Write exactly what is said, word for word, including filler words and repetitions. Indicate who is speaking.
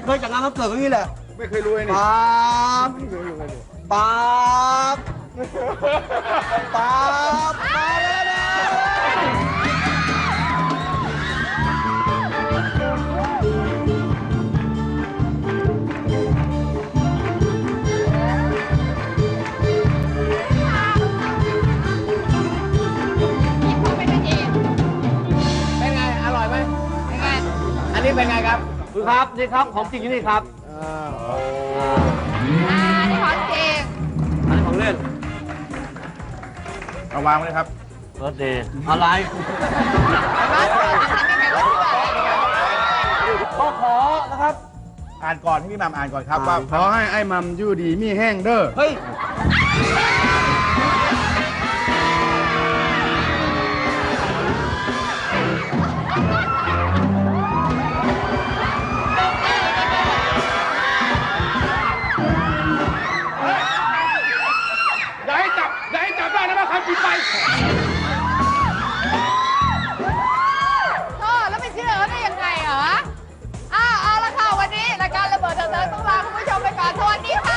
Speaker 1: เคยจากงานวันเกิดก็นี่แหละ
Speaker 2: ไม่เคยรวยนี่
Speaker 1: ป๊าบป๊าบป๊าบมาแล้วนะ
Speaker 3: เป็นไงอร่อยไหมเป็นไงอันนี้เป็นไงครับ
Speaker 1: คุณครับนี่ครับของจริงที่นี่ครับ
Speaker 3: อ่า
Speaker 4: อ่านี่ของจริง
Speaker 1: อันนี้ของเล่น
Speaker 2: เอาวางไว้เลยครับ
Speaker 1: เบิร์ดเดย์อะไร
Speaker 4: บ้านเกิดทำยังไงก็เชื่อ
Speaker 1: ก็ขอนะครับ
Speaker 2: อ่านก่อนให้พี่หม่ำอ่านก่อนครับว่า
Speaker 5: ขอให้ไอ้มัมอยู่ดีมีแห้งเด้อ
Speaker 1: เฮ้ย
Speaker 2: อย่าให้จับอย่าให้จับได้นะว่าคำผิดไป
Speaker 4: เออแล้วไม่เชื่อเขาได้ยังไงเหรออ้าวเอาละค่ะวันนี้รายการระเบิดเถิดเทิงต้องลาคุณผู้ชมไปก่อนสวัสดีค่ะ